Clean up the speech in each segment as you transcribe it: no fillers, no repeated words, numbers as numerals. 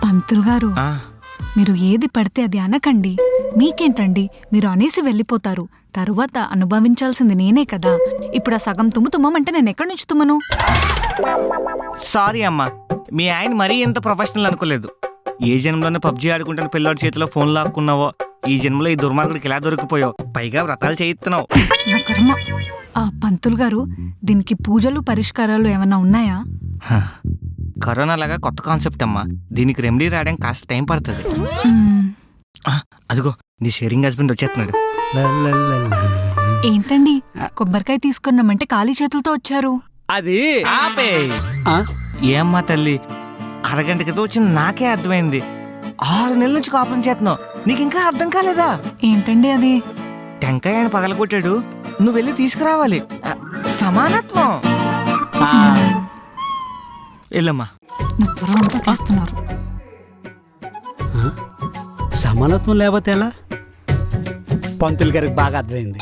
పంతులు గారు, మీరు ఏది పడితే అది అనకండి. మీకేంటండి, మీరు అనేసి వెళ్ళిపోతారు. తరువాత అనుభవించాల్సింది నేనే కదా. ఇప్పుడు ఆ సగం తుమ్ముతుమ్మంటే నేను ఎక్కడి నుంచి తుమ్మను? సారీ అమ్మా, మీ ఆయన మరీ ఎంత ప్రొఫెషనల్ అనుకోలేదు. ఏ జన్మలోనే పబ్జీ ఆడుకుంటున్న పిల్లోడి చేతిలో ఫోన్ లాక్కున్నావో, ఈ జన్మలో ఈ దుర్మార్గుడికి ఎలా దొరికిపోయావు. పైగా వ్రతాలు చేయిస్తున్నావు. నా కర్మ. ఆ పంతులు గారు, దీనికి పూజలు పరిష్కారాలు ఏమన్నా ఉన్నాయా? కరోనా లాగా కొత్త కాన్సెప్ట్ అమ్మా. దీనికి రెమెడీ రావడానికి కాస్త టైం పడుతుంది. అదిగో నీ షేరింగ్ హస్బెండ్ వచ్చేస్తున్నాడు. ఏంటండి, కొబ్బరికాయ తీసుకున్నామంటే ఖాళీ చేతులతో వచ్చారు? అది ఆపే. ఏమ్మా తల్లి, అరగంట క్రితం వచ్చింది నాకే అర్థమైంది. 6 నెలల నుంచి కాపురం చేస్తున్నావు, నీకు ఇంకా అర్థం కాలేదా? ఏంటండి అది? టెంకాయ ఆయన పగలగొట్టాడు, నువ్వు వెళ్ళి తీసుకురావాలి. సమానత్వం. వెళ్ళమ్మా. నా త్వర అంతా చేస్తున్నారు. సమానత్వం లేకపోతే ఎలా? పంతులు గారికి బాగా అర్థమైంది.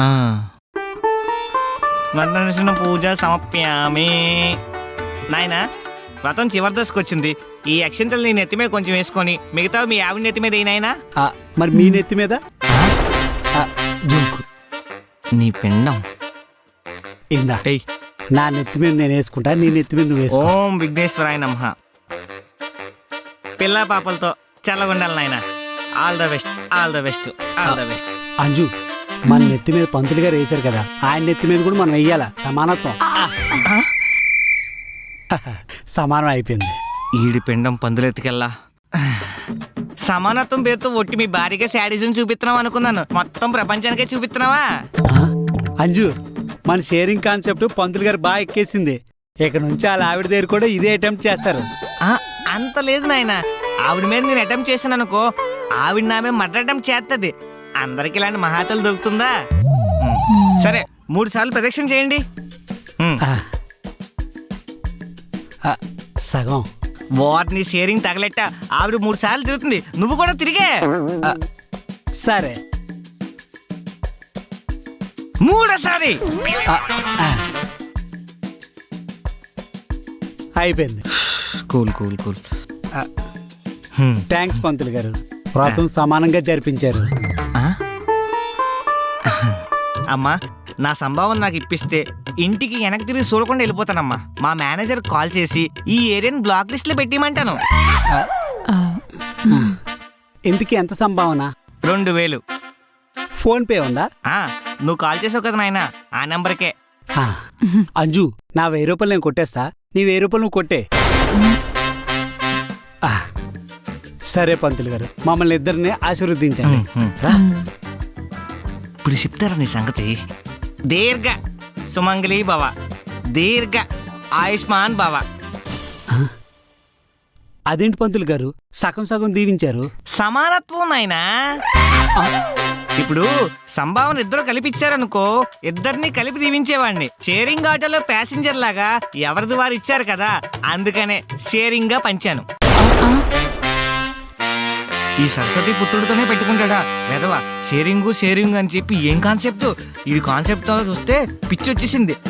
మర్దన పూజ సమప్యామి. నాయనా, వ్రతం చివరి దశకు వచ్చింది. ఈ అక్షంతలు నీ నెత్తి మీద కొంచెం వేసుకొని మిగతా మీ ఆవిడ నెత్తి మీద అయినాయనా. మరి మీ నెత్తి మీద జోకు. నీ పిండం ఇందా నా నెత్తి మీద నేను వేసుకుంటా, నీ నెత్తి మీద నువ్వు వేసుకో. ఓం విఘ్నేశ్వరాయ నమః. పిల్ల పాపలతో చల్లగుండాలి నాయన. All the best, all the best, all the best. Anju, మన నెత్తి మీద పంతులు గారు వేశారు కదా, ఆయన నెత్తి మీద కూడా మనం వెయ్యాలా. సమానత్వం. సమానం అయిపోయింది. ఈడి పిండం పందులెత్తికెళ్ళా. సమానత్వం పేరుతో ఒట్టి మీ భార్యగా శాడిజం చూపిస్తున్నావు అనుకున్నాను. మొత్తం ప్రపంచానికే చూపిస్తున్నావా? అంజు, మన షేరింగ్ కాన్సెప్ట్ పంతులు గారు బాగా ఎక్కేసింది. ఇక నుంచి వాళ్ళ ఆవిడ దగ్గర కూడా ఇదే అటెంప్ట్ చేస్తారు. అంత లేదు నాయన. ఆవిడ మీద నేను అటెంప్ట్ చేశాను అనుకో, ఆవిడ నా మీద మర్డర్ అటెంప్ట్ చేస్తుంది. అందరికి ఇలాంటి మహాతలు దొరుకుతుందా? సరే, 3 సార్లు ప్రదక్షిణ చేయండి. సగం వాటిని షేరింగ్ తగలెట్ట. ఆవిడ 3 సార్లు తిరుగుతుంది, నువ్వు కూడా తిరిగే. సరే, 3సారి అయిపోయింది. Cool cool cool. థ్యాంక్స్ పంతులు గారు, వ్రతం సమానంగా జరిపించారు. అమ్మా, నా సంభావన నాకు ఇప్పిస్తే ఇంటికి వెనక్కి తిరిగి చూడకుండా వెళ్ళిపోతానమ్మా. మా మేనేజర్ కాల్ చేసి ఈ ఏరియాని బ్లాక్ లిస్ట్ లో పెట్టిమంటాను. ఇంతకీ ఎంత సంభావన? 2000. ఫోన్ పే ఉందా? నువ్వు కాల్ చేసావు కదా నాయన, ఆ నెంబర్కే. అంజు, నా 1000 రూపాయలు నేను కొట్టేస్తా, నీ 1000 రూపాయలు నువ్వు కొట్టే. సరే పంతులు గారు, మమ్మల్ని ఇద్దరిని ఆశీర్వదించండి. ఇప్పుడు చెప్తారా నీ సంగతి? దీర్ఘ సుమంగళి భవ, దీర్ఘ ఆయుష్మాన్ భవ. అదేంటి పంతులు గారు, సగం సగం దీవించారు? సమానత్వం నాయనా. ఇప్పుడు సంభావన ఇద్దరు కలిపిచ్చారనుకో, ఇద్దరిని కలిపి దీవించేవాడిని. షేరింగ్ ఆటోలో ప్యాసింజర్ లాగా ఎవరిది వారు ఇచ్చారు కదా, అందుకనే షేరింగ్ గా పంచాను. ఈ సరస్వతి పుత్రుడితోనే పెట్టుకుంటాడా వెధవా? షేరింగు షేరింగ్ అని చెప్పి ఏం కాన్సెప్ట్? ఈ కాన్సెప్ట్ చూస్తే పిచ్చి వచ్చేసింది.